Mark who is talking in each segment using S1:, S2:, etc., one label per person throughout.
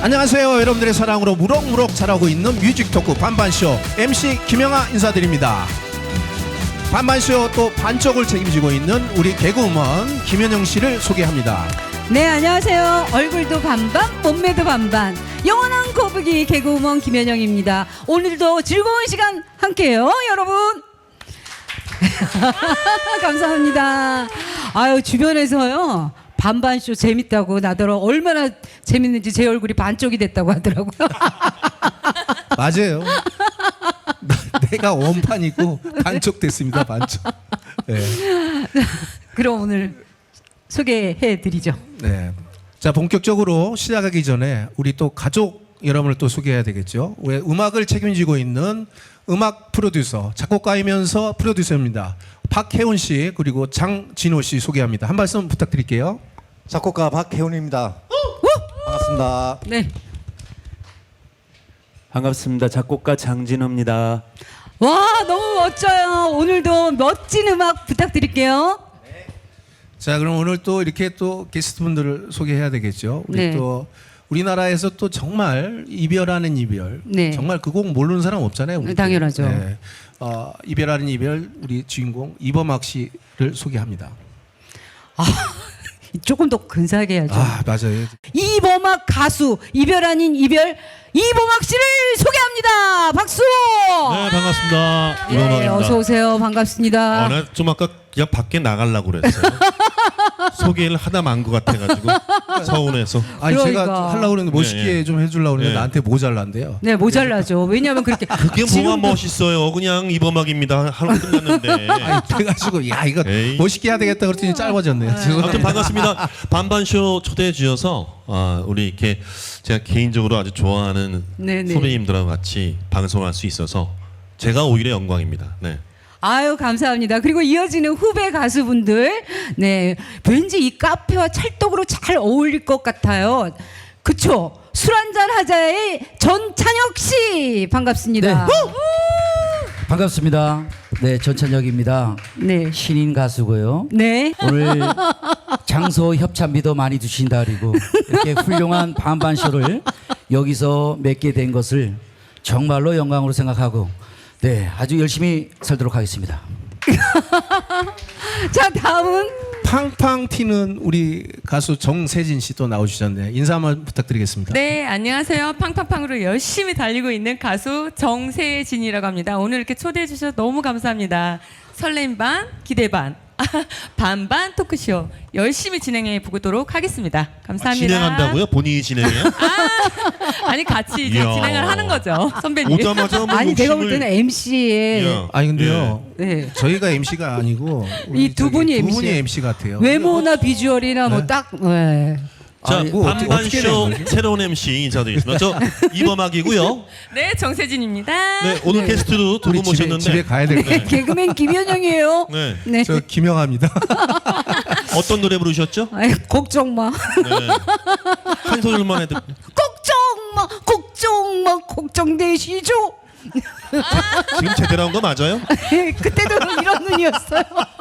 S1: 안녕하세요. 여러분들의 사랑으로 무럭무럭 자라고 있는 뮤직 토크 반반쇼 MC 김영하 인사드립니다. 반반쇼 또 반쪽을 책임지고 있는 우리 개그우먼 김현영 씨를 소개합니다.
S2: 네, 안녕하세요. 얼굴도 반반, 몸매도 반반, 영원한 거북이 개그우먼 김현영입니다. 오늘도 즐거운 시간 함께해요, 여러분. 감사합니다. 아유, 주변에서요, 반반쇼 재밌다고 나더러 얼마나 재밌는지 제 얼굴이 반쪽이 됐다고 하더라고요.
S1: 맞아요. 내가 원판이고 반쪽 됐습니다. 반쪽. 네.
S2: 그럼 오늘 소개해드리죠.
S1: 네. 자, 본격적으로 시작하기 전에 우리 또 가족 여러분을 또 소개해야 되겠죠. 왜 음악을 책임지고 있는 음악 프로듀서, 작곡가이면서 프로듀서입니다. 박혜훈 씨 그리고 장진호 씨 소개합니다. 한 말씀 부탁드릴게요.
S3: 작곡가 박혜훈입니다. 반갑습니다.
S2: 네.
S4: 반갑습니다. 작곡가 장진호입니다.
S2: 와, 너무 멋져요. 오늘도 멋진 음악 부탁드릴게요.
S1: 자, 그럼 오늘 또 이렇게 또 게스트분들을 소개해야 되겠죠. 우리
S2: 네.
S1: 또 우리나라에서 또 정말 이별하는 이별,
S2: 네.
S1: 정말 그 곡 모르는 사람 없잖아요. 우리
S2: 당연하죠.
S1: 네. 이별하는 이별 우리 주인공 이범학 씨를 소개합니다.
S2: 조금 더 근사하게 해야죠.
S1: 아, 맞아요.
S2: 이범학 가수 이별 아닌 이별 이범학 씨를 소개합니다. 박수.
S5: 네, 반갑습니다.
S2: 네,
S5: 이범학입니다.
S2: 어서 오세요. 반갑습니다.
S5: 나 좀 아까 그냥 밖에 나가려고 그랬어요. 소개를 하다 만 것 같아가지고 서운해서.
S1: 아니
S2: 그러니까.
S1: 제가 하려고 그랬는데 멋있게
S5: 네, 네.
S1: 좀 해주려고 그랬는데
S5: 네.
S1: 나한테 모자란대요.
S2: 네, 모자라죠. 왜냐하면 그렇게
S5: 그게 뭐가
S2: 지금도-
S5: 멋있어요. 그냥 이범학입니다. 하루 끝났는데.
S1: 아니 그래가지고 야 이거
S5: 에이.
S1: 멋있게 해야 되겠다 그랬더니 짧아졌네요.
S5: 아무튼
S1: 죄송합니다.
S5: 반갑습니다. 반반쇼 초대해 주셔서 우리 이렇게 제가 개인적으로 아주 좋아하는
S2: 네네.
S5: 선배님들하고 같이 방송할 수 있어서 제가 오히려 영광입니다. 네.
S2: 아유, 감사합니다. 그리고 이어지는 후배 가수분들, 네, 왠지 이 카페와 찰떡으로 잘 어울릴 것 같아요. 그쵸? 술 한잔 하자의 전찬혁 씨 반갑습니다.
S6: 반갑습니다. 네, 전찬혁입니다.
S2: 네,
S6: 신인 가수고요.
S2: 네.
S6: 오늘 장소 협찬비도 많이 주신다 그리고 이렇게 훌륭한 반반쇼를 여기서 맺게 된 것을 정말로 영광으로 생각하고 네, 아주 열심히 살도록 하겠습니다.
S2: 자, 다음은
S1: 팡팡 튀는 우리 가수 정세진 씨 또 나오주셨네요. 인사 한번 부탁드리겠습니다.
S7: 네, 안녕하세요. 팡팡팡으로 열심히 달리고 있는 가수 정세진이라고 합니다. 오늘 이렇게 초대해 주셔서 너무 감사합니다. 설렘 반, 기대 반, 반반 토크쇼 열심히 진행해 보도록 하겠습니다. 감사합니다.
S5: 진행한다고요? 본인이 진행해요?
S7: 아니, 같이 이제
S5: 이야.
S7: 진행을 하는 거죠, 선배님.
S5: 오자마자 뭐
S2: 아니 내가 볼
S5: 욕심을-
S2: 때는 MC의
S5: 야.
S1: 아니 근데요.
S2: 네.
S1: 저희가 MC가 아니고
S2: 이 두 분이
S1: 두 분이
S2: MC.
S1: MC 같아요.
S2: 외모나 비주얼이나 뭐 딱 네.
S5: 자,
S1: 아니, 뭐 어떻게
S5: 반반쇼
S1: 되는 거지?
S5: 새로운 MC 인사드리겠습니다. 저 이범학이고요.
S7: 네, 정세진입니다.
S5: 네, 오늘
S2: 네.
S5: 게스트로 두
S1: 우리
S5: 분 모셨는데
S1: 집에 가야 될 거예요.
S2: 개그맨 김현영이에요.
S5: 네.
S2: 네.
S1: 저 김영하입니다.
S5: 어떤 노래 부르셨죠?
S2: 아이, 걱정 마.
S5: 네. 한 소절만 해도
S2: 걱정 마. 걱정 마. 걱정되시죠?
S5: 지금 제대로 한 거 맞아요?
S2: 그때도 이런 눈이었어요.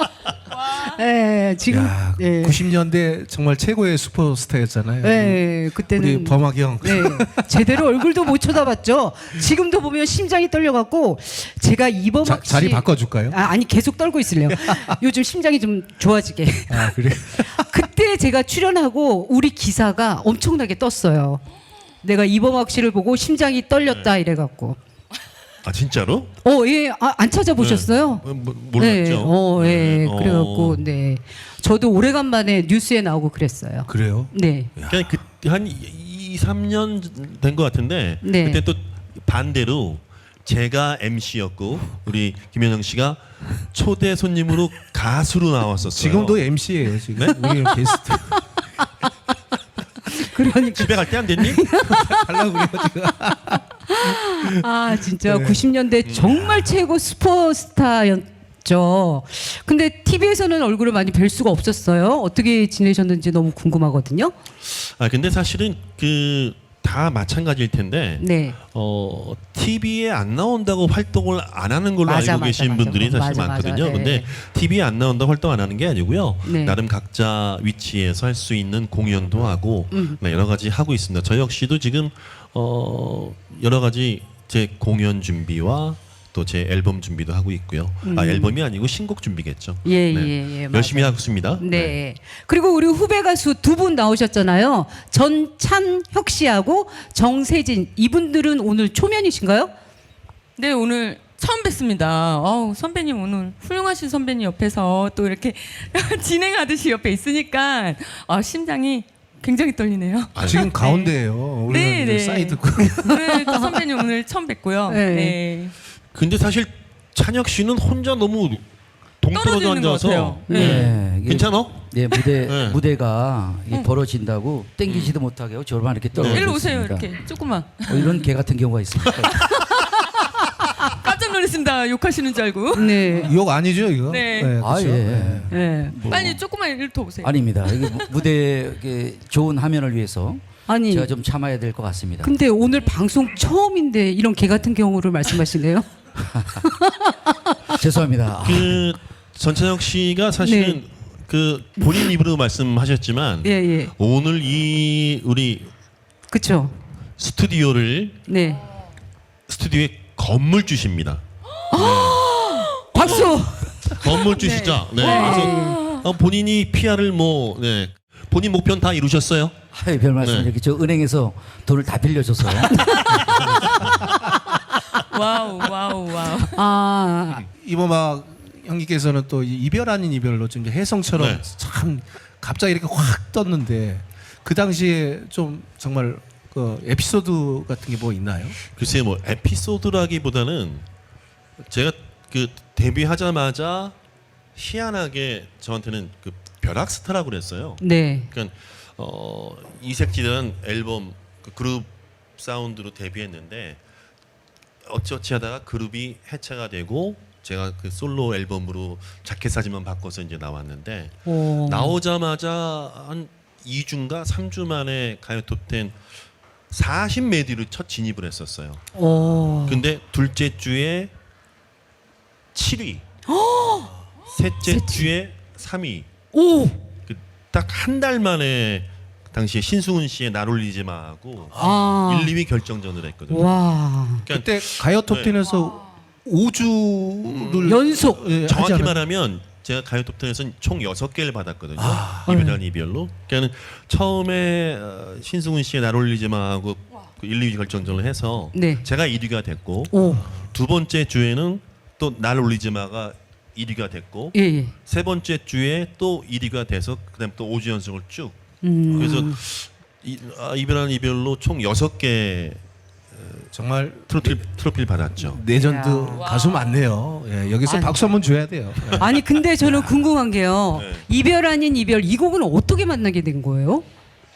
S2: 네, 지금
S1: 야,
S2: 네.
S1: 90년대 정말 최고의 슈퍼스타였잖아요.
S2: 네, 그때는
S1: 우리 범학이 형.
S2: 네, 제대로 얼굴도 못 쳐다봤죠. 지금도 보면 심장이 떨려갖고 제가 이범학 씨
S1: 자리 바꿔줄까요?
S2: 아니 계속 떨고 있을래요. 요즘 심장이 좀 좋아지게.
S1: 아 그래.
S2: 그때 제가 출연하고 우리 기사가 엄청나게 떴어요. 내가 이범학 씨를 보고 심장이 떨렸다 이래갖고.
S5: 아 진짜로?
S2: 예, 안 찾아보셨어요?
S5: 몰랐죠.
S2: 네,
S5: 네.
S2: 그래갖고 네, 저도 오래간만에 뉴스에 나오고 그랬어요.
S1: 그래요?
S2: 네,
S5: 그냥 한 2, 3년 된 것 같은데
S2: 네.
S5: 그때 또 반대로 제가 MC였고 우리 김현영 씨가 초대 손님으로 가수로 나왔었어요.
S1: 지금도 MC예요. 지금 우리 게스트
S2: 그러니까
S5: 집에 갈 때 안 됐니?
S1: 하려고 그래요 지금.
S2: 아 진짜
S1: 네.
S2: 90년대 정말 최고 슈퍼스타였죠. 근데 TV에서는 얼굴을 많이 뵐 수가 없었어요. 어떻게 지내셨는지 너무 궁금하거든요.
S5: 아 근데 사실은 그 다 마찬가지일 텐데
S2: 네.
S5: TV에 안 나온다고 활동을 안 하는 걸로
S2: 맞아,
S5: 알고
S2: 맞아,
S5: 계신
S2: 맞아.
S5: 분들이 사실
S2: 맞아,
S5: 많거든요.
S2: 맞아.
S5: 근데
S2: 네.
S5: TV에 안 나온다고 활동 안 하는 게 아니고요.
S2: 네.
S5: 나름 각자 위치에서 할 수 있는 공연도 하고 네, 여러 가지 하고 있습니다. 저 역시도 지금 여러 가지 제 공연 준비와 또 제 앨범 준비도 하고 있고요. 앨범이 아니고 신곡 준비겠죠.
S2: 예,
S5: 네.
S2: 예, 예,
S5: 열심히
S2: 맞아요.
S5: 하고 있습니다.
S2: 네. 그리고 우리 후배 가수 두 분 나오셨잖아요. 전찬혁 씨하고 정세진. 이분들은 오늘 초면이신가요?
S7: 네, 오늘 처음 뵙습니다. 선배님 오늘 훌륭하신 선배님 옆에서 또 이렇게 진행하듯이 옆에 있으니까 심장이 굉장히 떨리네요.
S1: 지금 가운데예요. 우리는
S7: 네,
S1: 이제
S7: 네.
S1: 사이드.
S7: 오늘 또 선배님 오늘 처음 뵙고요.
S2: 네.
S7: 네.
S5: 근데 사실 찬혁 씨는 혼자 너무 동떨어져
S7: 떨어지는 것
S5: 앉아서
S7: 같아요.
S6: 네. 이게
S5: 괜찮아?
S6: 네,
S5: 네.
S6: 무대가 이게 벌어진다고 땡기지도 못하게 하고 저만 이렇게 떨어져
S7: 일로 오세요.
S6: 있습니다.
S7: 이렇게 조금만.
S6: 이런 개 같은 경우가 있습니다.
S7: 깜짝 놀랐습니다. 욕하시는 줄 알고.
S2: 네.
S1: 욕 아니죠 이거?
S7: 네.
S6: 아,
S1: 그렇죠?
S6: 예.
S2: 네.
S7: 빨리 조금만 일로 더 오세요.
S6: 아닙니다. 이게 무대 이게 좋은 화면을 위해서
S2: 아니.
S6: 제가 좀 참아야 될 것 같습니다.
S2: 근데 오늘 방송 처음인데 이런 개 같은 경우를 말씀하시네요.
S6: 죄송합니다.
S5: 그 전찬혁 씨가 사실은
S2: 네.
S5: 그 본인 입으로 말씀하셨지만
S2: 예, 예.
S5: 오늘 이 우리
S2: 그렇죠.
S5: 스튜디오에
S2: 네.
S5: 건물 주십니다.
S2: 박수.
S5: 건물 주시죠. 네. 그래서 본인이 PR을 본인 목표는 다 이루셨어요?
S6: 아이, 별 말씀.
S5: 네.
S6: 이렇게 저 은행에서 돈을 다 빌려줘서
S7: 와우.
S2: 아,
S1: 이범학 형님께서는 또 이별 아닌 이별로 좀 이제 혜성처럼
S5: 네.
S1: 참 갑자기 이렇게 확 떴는데 그 당시에 좀 정말 그 에피소드 같은 게 뭐 있나요?
S5: 글쎄 뭐 에피소드라기보다는 제가 그 데뷔하자마자 희한하게 저한테는 그 벼락스타라고 그랬어요.
S2: 네.
S5: 그러니까 이색지대라는 앨범 그 그룹 사운드로 데뷔했는데 어찌어찌 하다가 그룹이 해체가 되고 제가 그 솔로 앨범으로 자켓 사진만 바꿔서 이제 나왔는데
S2: 오.
S5: 나오자마자 한 2주인가 3주 만에 가요 톱10 40메디로 첫 진입을 했었어요.
S2: 오.
S5: 근데 둘째 주에 7위, 셋째 주에 3위.
S2: 오.
S5: 딱 한 달 만에 당시에 신승훈 씨의 날 올리지 마하고
S2: 아.
S5: 1, 2위 결정전을 했거든요.
S2: 와.
S5: 그러니까
S1: 그때 가요 톱10에서 5주를
S2: 연속.
S5: 정확히 말하면 제가 가요 톱10에서는 총 6개를 받았거든요. 이별한 이별로. 그러니까 처음에 신승훈 씨의 날 올리지 마하고 그 1, 2위 결정전을 해서
S2: 네.
S5: 제가 1위가 됐고
S2: 오.
S5: 두 번째 주에는 또 날 올리지 마가 1위가 됐고
S2: 예, 예.
S5: 세 번째 주에 또 1위가 돼서 그다음 또 5주 연속을 쭉. 그래서 이별한 이별로 총 6개
S1: 정말
S5: 트로피를 받았죠.
S1: 레전드
S2: 이야.
S1: 가수 많네요. 예, 여기서
S2: 아니.
S1: 박수 한번 줘야 돼요. 예.
S2: 아니 근데 저는 궁금한 게요.
S5: 네.
S2: 이별 아닌 이별 이 곡은 어떻게 만나게 된 거예요?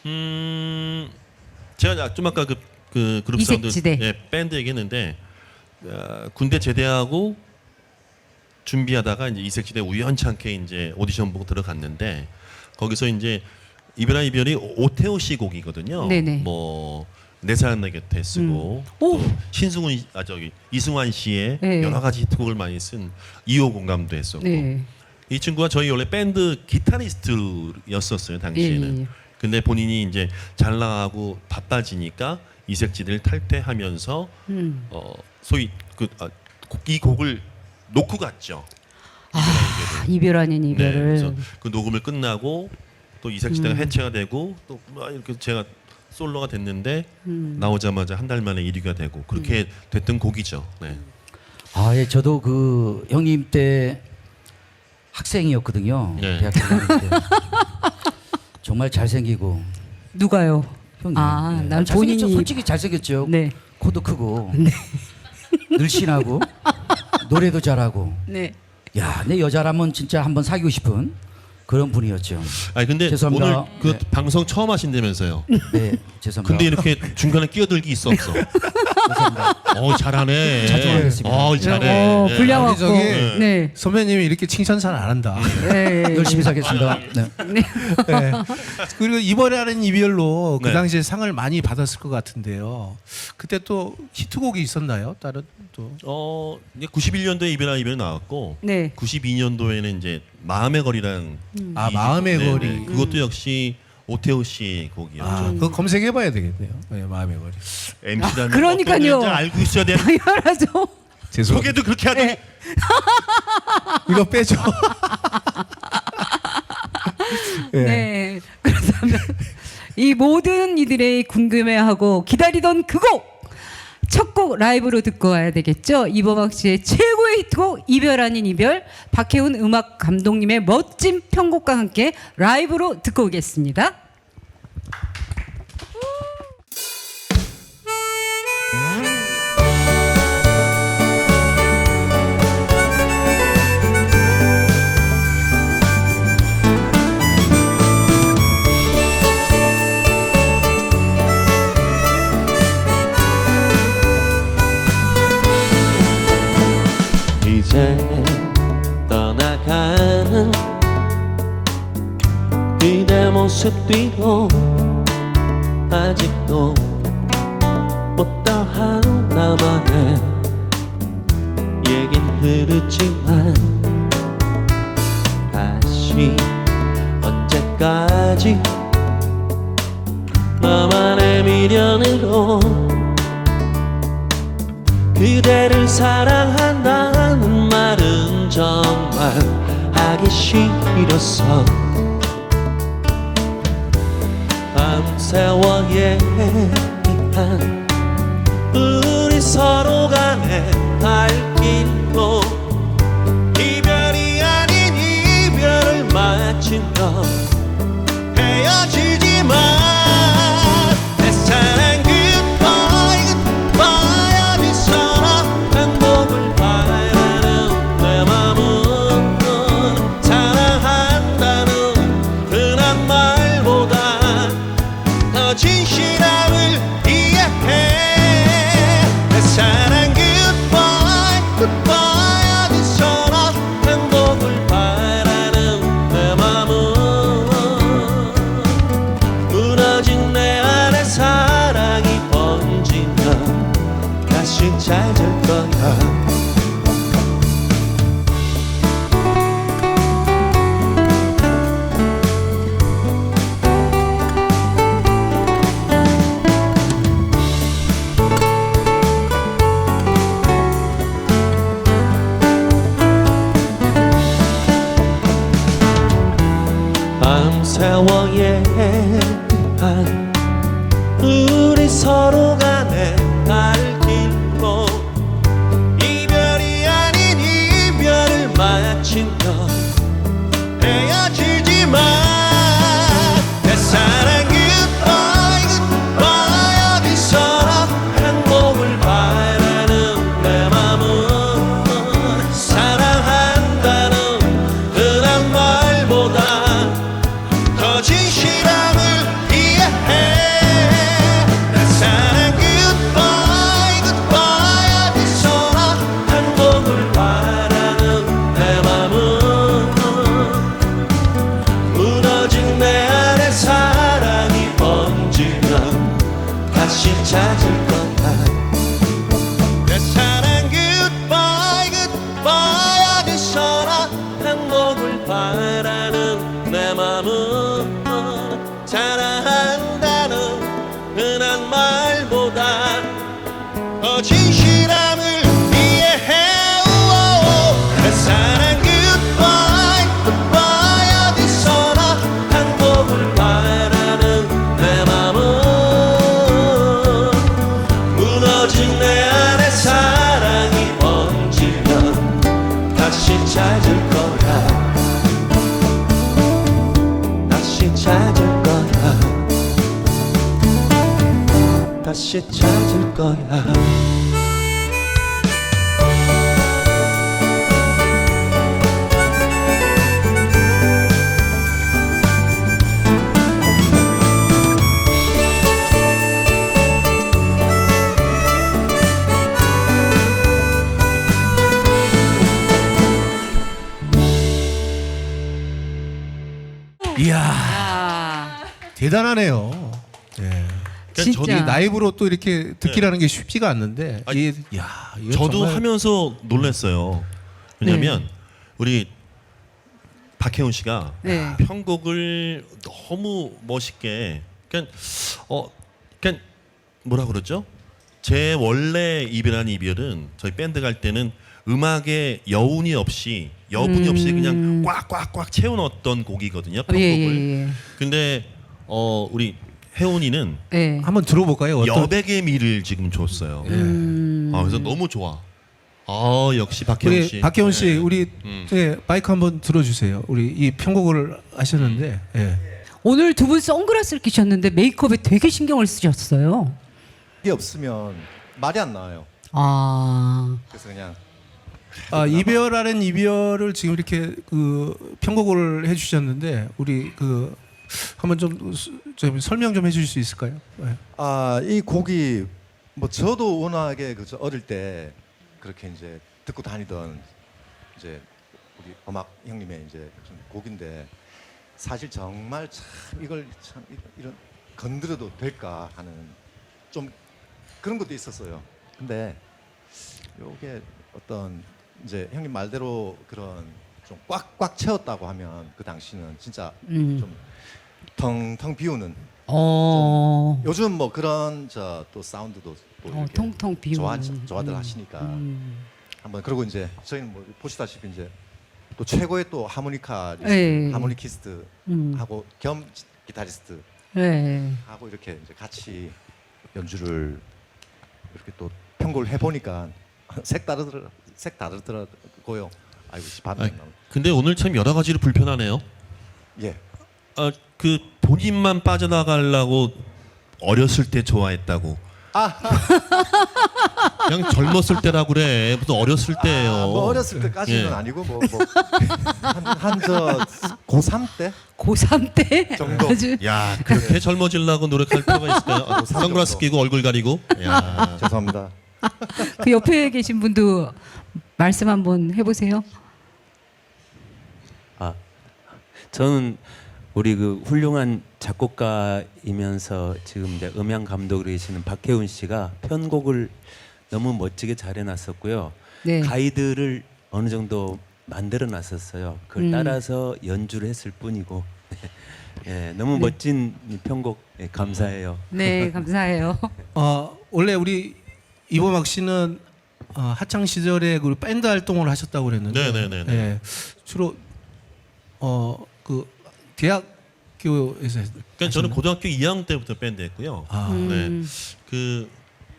S5: 제가 좀 아까 그 그룹 사운드
S2: 이색지대.
S5: 밴드 얘기했는데 군대 제대하고 준비하다가 이제 이색지대 우연찮게 이제 오디션 보고 들어갔는데 거기서 이제 이별한 이별이 오태호 씨 곡이거든요.
S2: 네네.
S5: 뭐 내 사랑 내 곁에 쓰고
S2: 오.
S5: 또 신승훈 이승환 씨의
S2: 네.
S5: 여러 가지 히트곡을 많이 쓴 2호 공감도 했었고
S2: 네.
S5: 이 친구가 저희 원래 밴드 기타리스트였었어요 당시에는.
S2: 예, 예.
S5: 근데 본인이 이제 잘 나가고 바빠지니까 이색지대를 탈퇴하면서 소위 이 곡을 놓고 갔죠.
S2: 이별 아닌
S5: 네,
S2: 이별을.
S5: 그래서 그 녹음을 끝나고 또 이색지대가 해체가 되고 또 막 이렇게 제가 솔로가 됐는데 나오자마자 한 달 만에 1위가 되고 그렇게 됐던 곡이죠. 네.
S6: 아, 예, 저도 그 형님 때 학생이었거든요.
S5: 네.
S6: 대학교 다닐 때. 정말 잘생기고
S2: 누가요?
S6: 형님.
S2: 아, 난
S6: 잘생겼죠.
S2: 본인이-
S6: 솔직히 잘생겼죠.
S2: 네.
S6: 코도 크고 늘씬하고 노래도 잘하고.
S2: 네.
S6: 야, 내 여자라면 진짜 한번 사귀고 싶은 그런 분이었죠.
S5: 아니 근데
S6: 죄송합니다.
S5: 오늘 그
S6: 네.
S5: 방송 처음 하신다면서요.
S6: 네, 죄송합니다.
S5: 근데 이렇게 중간에 끼어들기 있어 없어? 잘하네.
S6: 자주 하겠습니다.
S5: 잘해. 네.
S2: 분량
S1: 우리
S2: 없고.
S1: 저기
S2: 네.
S1: 선배님이 이렇게 칭찬 잘 안 한다.
S2: 네.
S6: 열심히 살겠습니다. 네.
S1: 네. 그리고 이번에 하는 이별로 그
S5: 네.
S1: 당시에 상을 많이 받았을 것 같은데요. 그때 또 히트곡이 있었나요? 다른 또
S5: 이제 91년도에 이별 나왔고,
S2: 네.
S5: 92년도에는 이제 마음의 거리라는
S1: 마음의 거리.
S5: 그것도 역시 오태호 씨 곡이었죠.
S1: 그거 검색해봐야 되겠네요. 네, 마음의 거리.
S5: MC라면
S2: 그러니까요.
S5: 어떤 건지 알고 있어야 되는.
S2: 당연하죠.
S1: 죄송.
S5: 소개도 그렇게 하더니
S1: 이거 빼죠. 예.
S2: 네. 그렇다면 이 모든 이들의 궁금해하고 기다리던 그 곡! 첫 곡 라이브로 듣고 와야 되겠죠. 이범학 씨의 최고의 히트곡 이별 아닌 이별, 박혜훈 음악 감독님의 멋진 편곡과 함께 라이브로 듣고 오겠습니다.
S8: 이제 떠나가는 그대 모습 뒤로 아직도 어떠한 나만의 얘긴 흐르지만 다시 언제까지 나만의 미련으로 그대를 사랑한다는 말은 정말 하기 싫었어. 밤새워 얘기한 우리 서로 간의 발길로 이별이 아닌 이별을 마치며 헤어지지만 내 사랑 goodbye goodbye 어디서나 행복을 바라는 내 맘은 사랑한다는 흔한 말보다 더 진실함을 이해해. 내 사랑 goodbye goodbye 어디서나 행복을 바라는 내 맘은 무너진 내 안에 사랑이 번지면 다시 찾을 거야. 밤새워 얘기한 우리 서로 간의 발길로 이별이 아닌 이별을 마치며 헤어지지만 내 사랑 goodbye goodbye 어디서나 행복을 바라는 내 맘은 사랑한다는 흔한 말보다 더 진실함을 이해해. 내 사랑 goodbye goodbye 어디서나 행복을 바라는 내 맘은 무너진 내 안에 사랑이 번지면 다시 찾을 거야. 내 사랑 goodbye goodbye 어디서나 행복을 바라는 내 맘은 사랑한다는 흔한 말보다 더 진실함을 이해해. 내 사랑 goodbye goodbye 어디서나 행복을 바라는 내 맘은 무너진 내 안에 사랑이 번지면 다시 찾을 거야. 다시 찾을 거야. 다시 찾을 거야.
S1: 대단하네요. 예.
S2: 진짜.
S1: 저도 라이브로 또 이렇게 듣기라는 게 쉽지가 않는데.
S5: 아니,
S1: 이거
S5: 저도
S1: 정말-
S5: 하면서 놀랐어요. 왜냐하면 우리 박혜훈 씨가
S2: 네.
S5: 편곡을 너무 멋있게, 그러니까 그러니까 뭐라 그러죠? 제 원래 이별한 이별은 저희 밴드 갈 때는 음악에 여분이 없이 그냥 꽉꽉꽉 채워넣었던 곡이거든요. 편곡을.
S2: 예.
S5: 근데 우리 혜훈이는
S2: 예.
S1: 한번 들어볼까요? 어떤
S5: 여백의 미를 지금 줬어요. 그래서 너무 좋아. 역시 박혜훈 씨.
S1: 우리 박혜원 씨,
S5: 네.
S1: 우리 예, 마이크 한번 들어주세요. 우리 이 편곡을 하셨는데. 예.
S2: 오늘 두 분 선글라스를 끼셨는데 메이크업에 되게 신경을 쓰셨어요.
S3: 이게 없으면 말이 안 나와요.
S2: 아.
S3: 그래서 그냥
S1: 이별하는 이별을 지금 이렇게 그 편곡을 해주셨는데 우리 그 한번 좀 설명 좀 해주실 수 있을까요? 예.
S3: 이 곡이 뭐 저도 워낙에 그저 어릴 때 그렇게 이제 듣고 다니던 이제 우리 음악 형님의 이제 좀 곡인데 사실 정말 참 이걸 참 이런 건드려도 될까 하는 좀 그런 것도 있었어요. 근데 요게 어떤 이제 형님 말대로 그런 좀 꽉꽉 채웠다고 하면 그 당시는 진짜 좀 텅텅 비우는 요즘 뭐 그런 저 또 사운드도 또 이렇게
S2: 텅텅 비우는.
S3: 좋아들 하시니까 한번 그리고 이제 저희는 뭐 보시다시피 이제 또 최고의 또 하모니카리스트,
S2: 네.
S3: 하모니키스트 하고 겸 기타리스트
S2: 네.
S3: 하고 이렇게 이제 같이 연주를 이렇게 또 편곡을 해보니까 색 다르더라고요. 아이고 반응.
S5: 근데 오늘 참 여러 가지로 불편하네요.
S3: 예.
S5: 그 본인만 빠져나가려고 어렸을 때 좋아했다고. 그냥 젊었을 때라고 그래. 무슨 어렸을 때예요.
S3: 뭐 어렸을 때까지는
S5: 예.
S3: 아니고 뭐한저 고3 때
S2: 고3 때
S3: 정도.
S2: 아주
S5: 야, 그렇게 젊어지려고 노력할 필요가 있을까요? 선글라스 끼고 얼굴 가리고. 야.
S3: 죄송합니다.
S2: 그 옆에 계신 분도 말씀 한번 해보세요.
S4: 저는 우리 그 훌륭한 작곡가이면서 지금 이제 음향 감독으로 계시는 박혜훈 씨가 편곡을 너무 멋지게 잘 해놨었고요.
S2: 네.
S4: 가이드를 어느 정도 만들어 놨었어요. 그걸 따라서 연주를 했을 뿐이고 예, 너무 멋진 이 편곡 감사해요.
S2: 네, 감사해요.
S1: 원래 우리 이범학 씨는 학창 시절에 그 밴드 활동을 하셨다고 그랬는데,
S5: 네네네네.
S1: 예, 주로 그 대학교에서
S5: 그러니까 저는 고등학교 2학년 때부터 밴드 했고요. 네. 그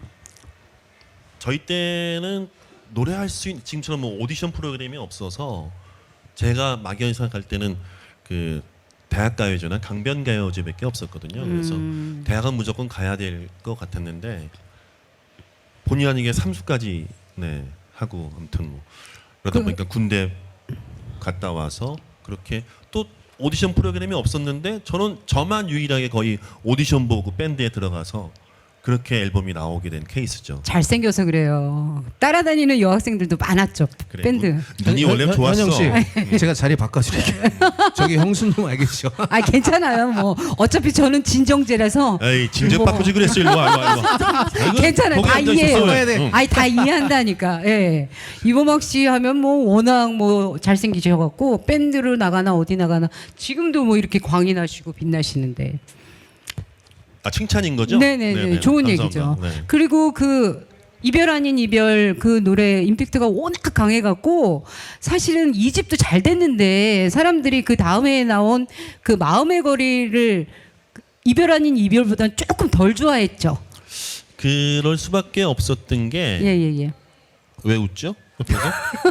S5: 저희 때는 노래할 수 있는 지금처럼 뭐 오디션 프로그램이 없어서 제가 막연히 생각할 때는 그 대학가요제나 강변가요제밖에 없었거든요. 그래서 대학은 무조건 가야 될 것 같았는데 본의 아니게 삼수까지 네 하고 아무튼 뭐 그러다 보니까 군대 갔다 와서 그렇게 또 오디션 프로그램이 없었는데 저만 유일하게 거의 오디션 보고 밴드에 들어가서 그렇게 앨범이 나오게 된 케이스죠.
S2: 잘생겨서 그래요. 따라다니는 여학생들도 많았죠.
S5: 그래,
S2: 밴드.
S5: 눈이 원래 좋았어.
S1: 현영 씨, 제가 자리 바꿔드릴게요. 저기 형수님 알겠죠?
S2: 아 괜찮아요. 뭐 어차피 저는 진정제라서.
S5: 에이 진작
S2: 뭐.
S5: 바꾸지 그랬어 일로 와. 아이고,
S2: 괜찮아요.
S5: 거기
S2: 다
S5: 앉아
S2: 이해해요.
S5: 있었어야 돼. 응.
S2: 아니 다 이해한다니까. 예. 이범학 씨 하면 뭐 워낙 뭐 잘생기셔갖고 밴드로 나가나 어디 나가나 지금도 뭐 이렇게 광이 나시고 빛나시는데.
S5: 칭찬인 거죠?
S2: 네네네. 좋은
S5: 감사합니다.
S2: 얘기죠.
S5: 네.
S2: 그리고 그 이별 아닌 이별 그 노래 임팩트가 워낙 강해갖고 사실은 2집도 잘 됐는데 사람들이 그 다음에 나온 그 마음의 거리를 이별 아닌 이별보다는 조금 덜 좋아했죠.
S5: 그럴 수밖에 없었던 게
S2: 예예예.
S5: 왜 웃죠? 옆에서?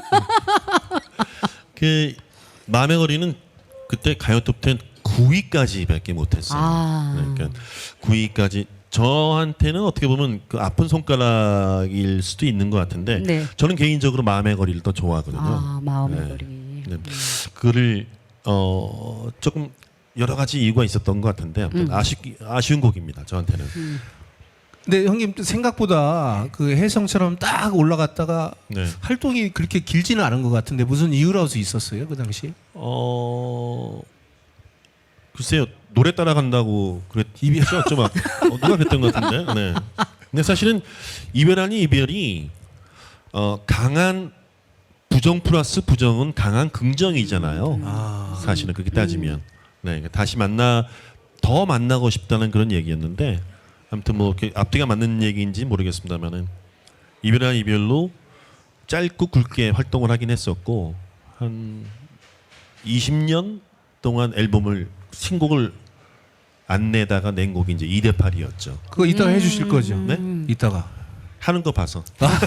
S5: 그 마음의 거리는 그때 가요 톱10 9위까지밖에 못했어요. 그러니까 9위까지 저한테는 어떻게 보면 그 아픈 손가락일 수도 있는 것 같은데
S2: 네.
S5: 저는 개인적으로 마음의 거리를 더 좋아하거든요.
S2: 마음의
S5: 네.
S2: 거리.
S5: 네. 그를 조금 여러 가지 이유가 있었던 것 같은데 아무튼 아쉬운 곡입니다. 저한테는.
S1: 근데 형님 생각보다 그 혜성처럼 딱 올라갔다가
S5: 네.
S1: 활동이 그렇게 길지는 않은 것 같은데 무슨 이유라도 있었어요 그 당시?
S5: 글쎄요. 노래 따라간다고 그랬죠, 막 누가 그랬던 것 같은데. 네. 근데 사실은 이별 아닌 이별이 강한 부정 플러스 부정은 강한 긍정이잖아요. 사실은 그렇게 따지면. 네, 다시 더 만나고 싶다는 그런 얘기였는데, 아무튼 뭐 이렇게 앞뒤가 맞는 얘기인지 모르겠습니다만은 이별한 이별로 짧고 굵게 활동을 하긴 했었고 한 20년 동안 신곡을 안 내다가 낸 곡이 이제 2대 8이었죠.
S1: 그거 이따가 해주실 거죠?
S5: 네?
S1: 이따가.
S5: 하는 거 봐서.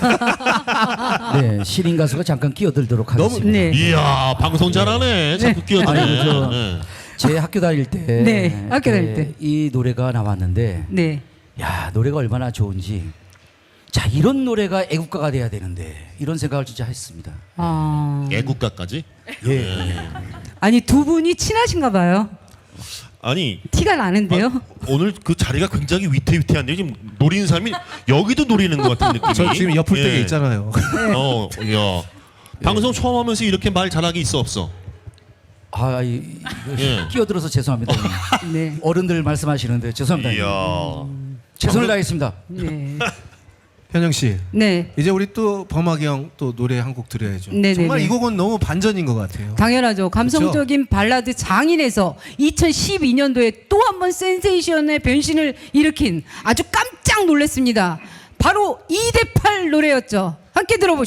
S6: 네, 신인 가수가 잠깐 끼어들도록 하겠습니다.
S2: 네.
S5: 이야, 방송 잘하네. 자꾸 끼어드네.
S6: 아니, 저-
S5: 네.
S6: 제 학교 다닐 때,
S2: 네, 학교 다닐 때.
S6: 이 노래가 나왔는데,
S2: 네.
S6: 야, 노래가 얼마나 좋은지. 자, 이런 노래가 애국가가 돼야 되는데 이런 생각을 진짜 했습니다.
S2: 아.
S5: 애국가까지?
S6: 예.
S2: 아니 두 분이 친하신가 봐요.
S5: 아니
S2: 티가 나는데요.
S5: 오늘 그 자리가 굉장히 위태위태한데 지금 노리는 사람이 여기도 노리는 것 같은 느낌이.
S1: 저 지금 옆을
S5: 예.
S1: 댁에 있잖아요.
S5: 야. 방송 처음 하면서 이렇게 말 잘하기 있어 없어?
S6: 아,
S5: 예.
S6: 끼어들어서 죄송합니다.
S2: 네.
S6: 어른들 말씀하시는데 죄송합니다.
S5: 이야.
S6: 최선을 다하겠습니다.
S2: 네.
S1: 현영 씨,
S2: 네.
S1: 이제 우리 또 범학이 형 또 노래 한 곡 드려야죠.
S2: 네네네.
S1: 정말 이 곡은 너무 반전인 것 같아요.
S2: 당연하죠. 감성적인 발라드 장인에서 2012년도에 또 한 번 센세이션의 변신을 일으킨 아주 깜짝 놀랐습니다. 바로 2대8 노래였죠. 함께 들어보시죠.